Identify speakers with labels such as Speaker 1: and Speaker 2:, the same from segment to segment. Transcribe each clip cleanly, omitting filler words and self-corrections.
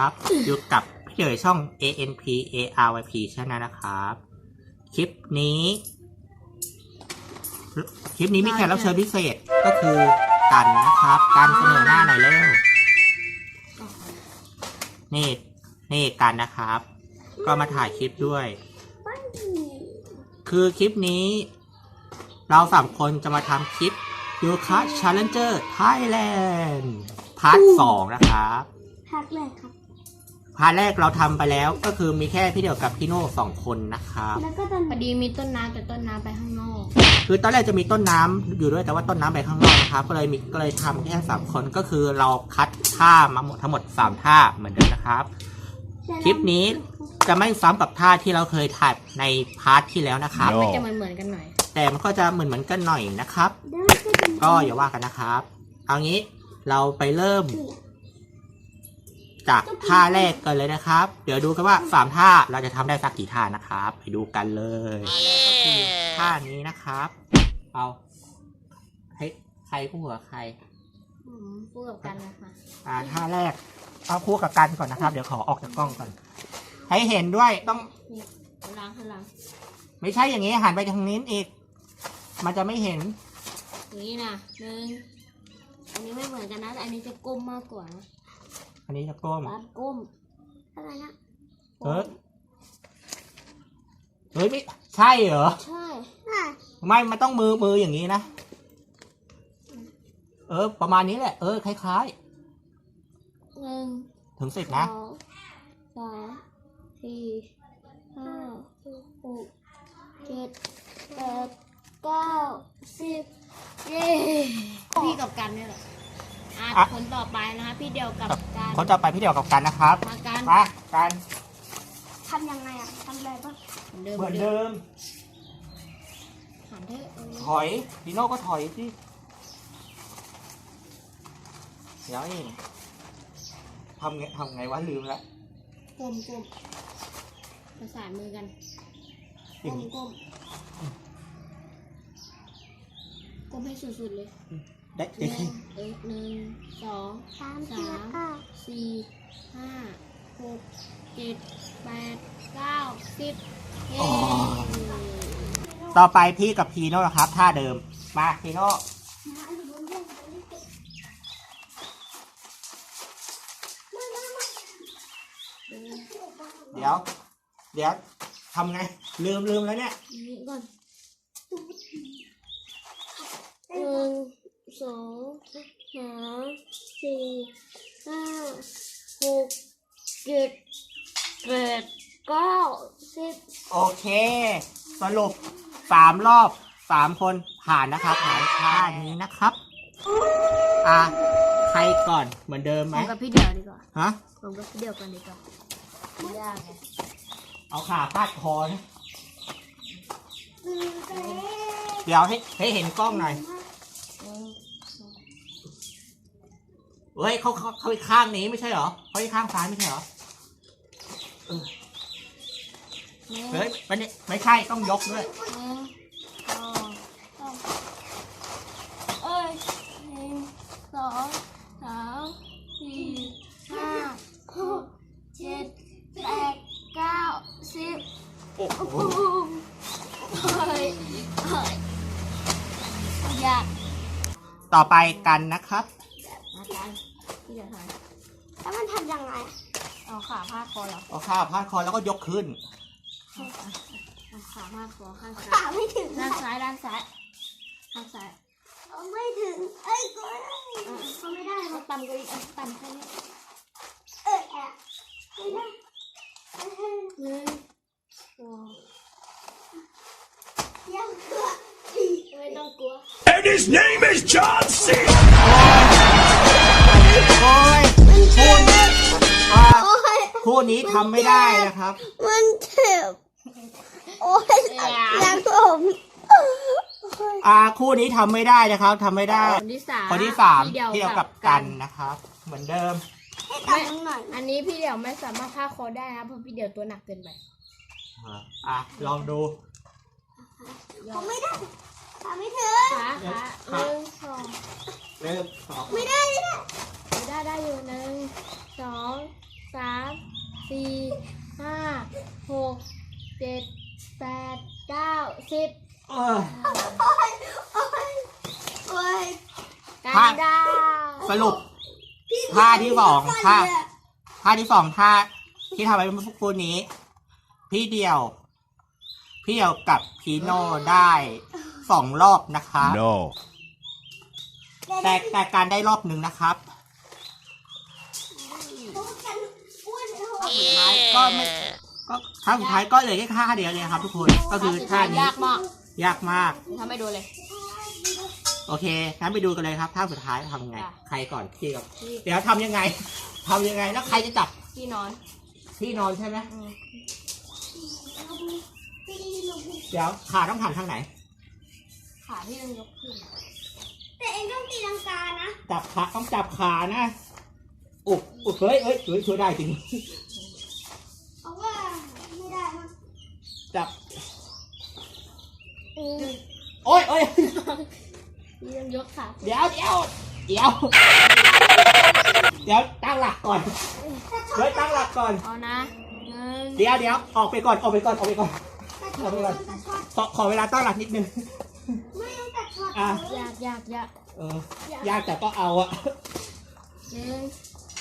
Speaker 1: อยู่กับพี่เอ๋ยช่อง ANP ARYP ใช่ไหมนะครับ คลิปนี้มีแขกรับเชิญพิเศษก็คือกันนะครับกันเสนอหน้าหน่อยเร็วนี่กันนะครับ ก็มาถ่ายคลิปด้วย คือคลิปนี้เรา3 คนจะมาทำคลิปยูคา Challenger Thailand พาร์ท 2 นะครับ
Speaker 2: พาร์ทแรกครับ
Speaker 1: พาร์ทแรกเราทำไปแล้วก็คือมีแค่พี่เดี่ยวกับพี่โน่2 คนนะครับ
Speaker 2: แล้วก็
Speaker 3: พอดีมีต้นน้ำแต่ต้นน้ำไปข้างนอก
Speaker 1: คือตอนแรกจะมีต้นน้ำอยู่ด้วยแต่ว่าต้นน้ำไปข้างนอกนะครับก็เลยทำแค่3 คนก็คือเราคัดท่ามาทั้งหมด3 ท่าเหมือนเดิมนะครับคลิปนี้จะไม่ซ้ำกับท่าที่เราเคยถ่ายในพาร์ทที่แล้วนะครับ
Speaker 3: มันจะเหมือนกันหน่อย
Speaker 1: แต่มันก็จะเหมือนกันหน่อยนะครับก็อย่าว่ากันนะครับเอางี้เราไปเริ่มจากท่าแรกกันเลยนะครับเดี๋ยวดูกันว่า3 ท่าเราจะทำได้สักกี่ท่านะครับไปดูกันเลยก็คือท่านี้นะครับเอาใครคู่กับใคร
Speaker 3: คู่กับกันนะคะ
Speaker 1: ท่าแรกเอาคู่กับกันก่อนนะครับเดี๋ยวขอออกจากกล้องก่อนให้เห็นด้วยต้อง
Speaker 3: ล้าง
Speaker 1: ไม่ใช่อย่างนี้หันไปทางนี้อีกมันจะไม่เห็น
Speaker 3: นี่นะอันนี้ไม่เหมือนกันนะแต่อันนี้จะก้มมากกว่านะ
Speaker 1: อันนี้จะก้ม
Speaker 3: ก้มอะไรนะ
Speaker 1: เฮ้ยไม่ใช่เหรอ
Speaker 3: ใช่
Speaker 1: ไม่มันต้องมืออย่างนี้นะประมาณนี้แหละคล้าย
Speaker 3: ๆ
Speaker 1: 1 ถึง 10นะ
Speaker 3: 2 3 4 5 6 7 8 9 10เย้พี่กับกันนี่แหละคนต่อไปนะคะพี่เดียวกับกัน
Speaker 1: คนต่อไปพี่เดียวกับกันนะครับ
Speaker 3: มากัน
Speaker 2: ทำยังไงทำอะไรบ้าง
Speaker 1: เหมือนเดิมถอยดีโน่ก็ถอยสิเดี๋ยวเองทำไงวะลืมแล้ว
Speaker 3: ก้มประสานมือกันก้มให้สุดๆเลย
Speaker 1: ได้
Speaker 3: 1 2 3 4 5 6 7 8 9 10
Speaker 1: ต่อไปพี่กับพีโน่นะครับท่าเดิมมาพีโน่เดี๋ยวทำไงลืมแล้วเนี่ย
Speaker 3: ก่อน1 2 3 4 5 6 7 8 9 10
Speaker 1: โอเคสรุป3 รอบ3 คนผ่านนะครับผ่านท่านี้นะครับใครก่อนเหมือนเดิมไหม
Speaker 3: ผมกับพี่เดียวดีกว่า
Speaker 1: ฮะ
Speaker 3: ผมกับพี่เดียวกันดีกว่าไม่ยากไง
Speaker 1: เอาขาพาดคอนะเดี๋ยวให้เห็นกล้องหน่อยเฮ้ยเขาอีกข้างนี้ไม่ใช่เหรอเขาอีกข้างซ้ายไม่ใช่เหรอเฮ้ยไม่ใช่ต้องยกด้วย
Speaker 3: 1 2 3 4 5 6 7 8 9 10
Speaker 1: โอ้โห
Speaker 3: ยาก
Speaker 1: ต่อไปกันนะครับ
Speaker 3: พี่จะทำ
Speaker 2: แล้วมันทำยังไง
Speaker 3: เอาขาพาดคอเหรอ
Speaker 1: เอาขาพาดคอแล้วก็ยกขึ้น
Speaker 3: ขาพาดคอข้างซ้าย
Speaker 2: ขาไม่ถึง
Speaker 3: ด้านซ้ายข้างซ้าย
Speaker 2: ไม่ถึงก็ไม่ได้
Speaker 3: เขาต่ำกว่าอีกต่ำแค่นี้
Speaker 2: ไม่ได้ยังกลัว
Speaker 3: ไม่ต้องกลัว
Speaker 4: And his name is John C.
Speaker 1: คู่นี้ทำไม่ได้นะครับ
Speaker 2: มันเจ็บโอ้ยรักผม
Speaker 1: คู่นี้ทำไม่ได้นะครับทำไม่ได้
Speaker 3: คนที่
Speaker 1: 3เดียวกับกันนะครับเหมือนเดิม
Speaker 3: อันนี้พี่เดี่ยวไม่สามารถพาคอได้นะเพราะพี่เดี่ยวตัวหนักเกินไป
Speaker 1: ลองดู
Speaker 2: ผมไม่ได้ไม่ถึง
Speaker 3: ขา1 2
Speaker 2: ไม่ได้
Speaker 3: ได้อยู่1 2 3
Speaker 1: ท่า
Speaker 3: ดา
Speaker 1: สรุปท่าที่สองท่าที่สองท่าที่ทำไปเมื่อสักครู่นี้ พี่เดียวกับพีโน่ได้2 รอบนะครับ
Speaker 4: No.
Speaker 1: แต่การได้รอบหนึ่งนะครับสุดท้ายก็ไม่ก็ท่าสุดท้ายก็เหลือแค่ท่าเดียวเลยครับทุกคนก็คือท่านี้
Speaker 3: ยากมาก
Speaker 1: ยากมาก
Speaker 3: ทำให้ดูเลย
Speaker 1: โอเคงั้นไปดูกันเลยครับท่าสุดท้ายทำยังไง
Speaker 3: ค่ะ
Speaker 1: ใครก่อนพี่กับเดี๋ยวทำยังไงแล้วใครจะจับ
Speaker 3: ที่นอน
Speaker 1: ที่นอนใช่ไหม
Speaker 3: อืม
Speaker 1: เดี๋ยวขาต้องหันทางไหน
Speaker 3: ขาที่ต้องยกขึ้น
Speaker 2: แต่เองต้องตีลังกานะ
Speaker 1: จับขาต้องจับขานะอุบเฮ้ยช่วยได้จริง
Speaker 2: เอาว่าไม่ได้มั้ง
Speaker 1: จับโอ้ย
Speaker 3: ที่ต้องยกขา
Speaker 1: เดี๋ยวตั้งหลักก่อนตั้งหลักก่อน
Speaker 3: เอานะหนึ่ง
Speaker 1: เดี๋ยวออกไปก่อนขอเวลาตั้งหลักนิดนึง
Speaker 2: ไม่ต้องตัดช็อต
Speaker 1: อ่ะ
Speaker 3: ยาก
Speaker 1: ยากแต่ก็เอาอะ
Speaker 3: หนึ่ง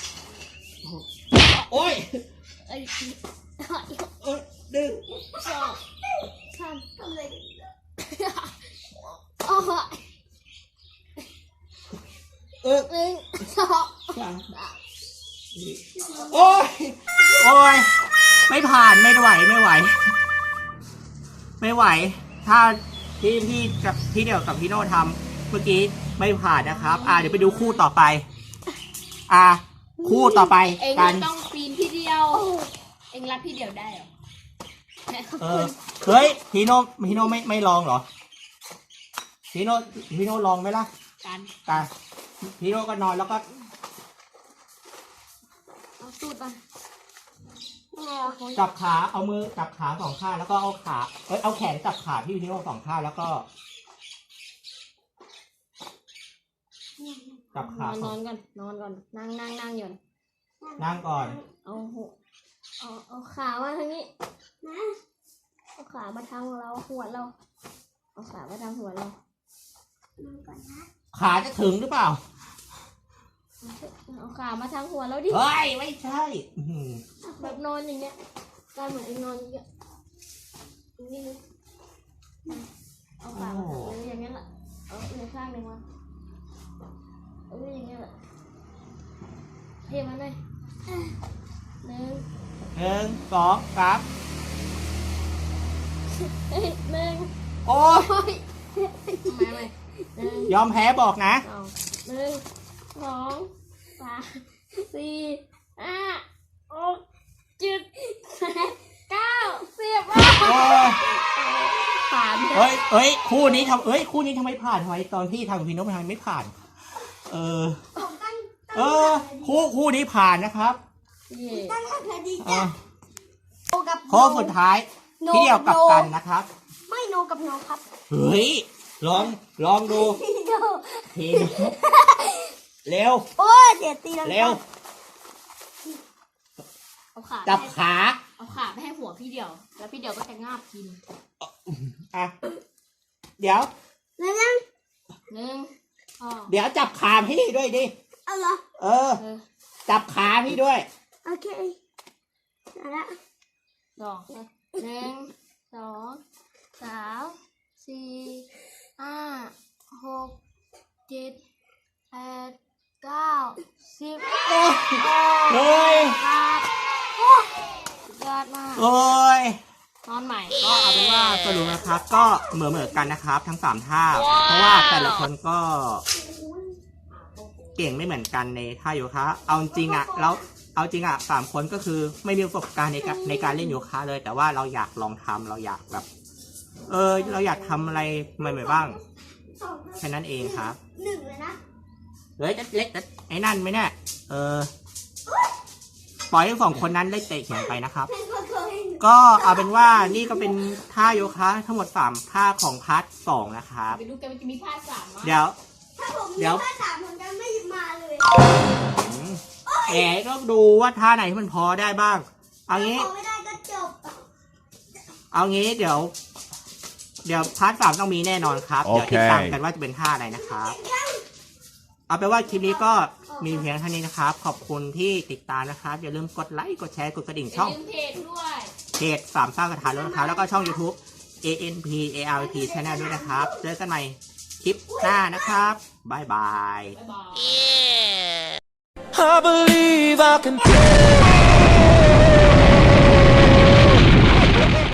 Speaker 1: โอ้ย
Speaker 3: เอ้ย
Speaker 1: ดึง
Speaker 3: สองสาม
Speaker 2: ทำเลย
Speaker 3: โอ้โห หนึ่งสอง
Speaker 1: โอ้ยไม่ผ่านไม่ไหวถ้าที่เดียวกับพี่โน่ทำเมื่อกี้ไม่ผ่านนะครับ เดี๋ยวไปดูคู่ต่อไป คู่ต่อไป
Speaker 3: เอง
Speaker 1: กัน
Speaker 3: ต้องปีนพี่เดียว เองรับพี่เดียวได้เหรอ
Speaker 1: เฮ้ยพี่โน่ไม่ลองเหรอพี่โน่ลองไหมล่ะ
Speaker 3: กัน
Speaker 1: พี่โน่ก็นอนแล้วก็
Speaker 3: เอาสูตรมา
Speaker 1: จับขาเอามือจับขา2 ข้างแล้วก็เอาแขนจับขาพี่โน่2 ข้างแล้วก็จับขาน
Speaker 3: อนก่อนนั่งอยู่
Speaker 1: นั่งก่อน
Speaker 3: เอาขามาทางนี้นะเอาขามาทางเราหัวเราเอาขามาทางหัวเรา
Speaker 1: ขาจะถึงหรือเปล่า
Speaker 3: เอาขามาทางหัวเราดิ
Speaker 1: เฮ้ยไม่ใช่อื้อหือ
Speaker 3: แบบนอนอย่างเงี้ยการเหมือนเองนอนอย่างเงี้ยนี่เลยเอาขามาทางเลยอย่างเงี้ยแหละเอาในข้างหนึ่งมาเอาอย่างเงี้ยแหละเทมันเลยหนึ่ง
Speaker 1: 1 2 3
Speaker 3: เฮ้ยหนึ่ง
Speaker 1: โอ้ย
Speaker 3: โอ้ยไม่หนึ่ง
Speaker 1: ยอมแพ้บอกนะ
Speaker 3: สองหนึ่งสองสามสี่ห้าหกเจ็ดแปดเก้า10
Speaker 1: โอ้ย
Speaker 3: ผ่าน
Speaker 1: เฮ้ยคู่นี้ทำไมผ่านทำไมตอนที่ทำกับพี่โน้ตทำไมไม่ผ่าน
Speaker 2: ผมตั้ง
Speaker 1: คู่นี้ผ่านนะครับ
Speaker 3: เย่
Speaker 2: ตั้งหลักเลยดี
Speaker 1: อ่ะ
Speaker 2: จ้ะโนกับ
Speaker 1: ข้อสุดท้ายพี่เดียวกับกันนะครับ
Speaker 2: ไม่โนกับโนครับ
Speaker 1: เฮ้ยลองดู
Speaker 2: โน
Speaker 1: ทีเร็ว
Speaker 2: โอ้ยเดี๋ยวตีลังกา
Speaker 1: เร็ว
Speaker 3: เอาขา
Speaker 1: จับขา
Speaker 3: เอาขาไปให้หัวพี่เดียว แล้วพี่เดียวก็จะงาบกิน
Speaker 1: อ่ะเดี๋ยว
Speaker 2: แล้วยัง
Speaker 3: หนึ่งสอง
Speaker 1: เดี๋ยวจับขาพี่ด้วยดิ
Speaker 2: เอาเหรอ
Speaker 3: เออ
Speaker 1: จับขาพี่ด้วย
Speaker 2: โอเคเอาละ
Speaker 3: สองหนึ่งสองสามสี่ห้าหกเจ็ดแปดเก้า10
Speaker 1: เฮ้ย
Speaker 3: สุดยอดมาก
Speaker 1: โอ้ย
Speaker 3: นอนใหม่
Speaker 1: ก็เอาเป็นว่าสรุปนะครับ ก็เหมือนกันนะครับ ทั้ง3 ท่า เพราะว่าแต่ละคนก็เก่งไม่เหมือนกันในท่าโยคะ เอาจริงอ่ะแล้วเอาจริงอ่ะ3 คนก็คือไม่มีประสบการณ์ในการเล่นโยคะเลย แต่ว่าเราอยากลองทำเราอยากแบบ เราอยากทำอะไรใหม่ๆบ้าง
Speaker 2: สอง
Speaker 1: แค่นั้นเองครับ
Speaker 2: หนึ่งเลยนะ
Speaker 1: เฮ้ยเล็กไอ้นั่นไหมเนี่ยปล่อยให้2 คนนั้นได้เตะเขียนไปนะครับ
Speaker 2: เพลงก็เคย
Speaker 1: ก็เอาเป็นว่านี่ก็เป็นท่าโยคะทั้งหมด3 ท่าของพาร์ท 2นะครับ
Speaker 3: ไปดูกันมันจะมีภาค3มั้ย
Speaker 1: เดี๋ยว
Speaker 2: ถ้าผม
Speaker 1: เดี๋ยว
Speaker 2: ถ้า3ผมจะไม่มาเลย
Speaker 1: ก็ดูว่าท่าไหนที่มันพอได้บ้าง เอางี้
Speaker 2: พอไม่ได้ก็จบ
Speaker 1: เอางี้เดี๋ยวพาร์ท 3ต้องมีแน่นอนครับ เดี๋ยวติดตามกันว่าจะเป็นท่าอะไรนะครับเอาเป็นว่าคลิปนี้ก็มีเพียงเท่านี้นะครับ ขอบคุณที่ติดตามนะครับ อย่าลืมกดไลค์ กดแชร์ กดกระดิ่งช่อง
Speaker 3: ลืมเพจด้วย
Speaker 1: เพจสามสร้างกระถางรถนะครับ แล้วก็ช่อง YouTube ANPARP Channel ด้วยนะครับ เจอกันใหม่คลิปหน้านะครับ บ๊ายบาย
Speaker 3: บ๊ายบาย
Speaker 5: I believe I can fly.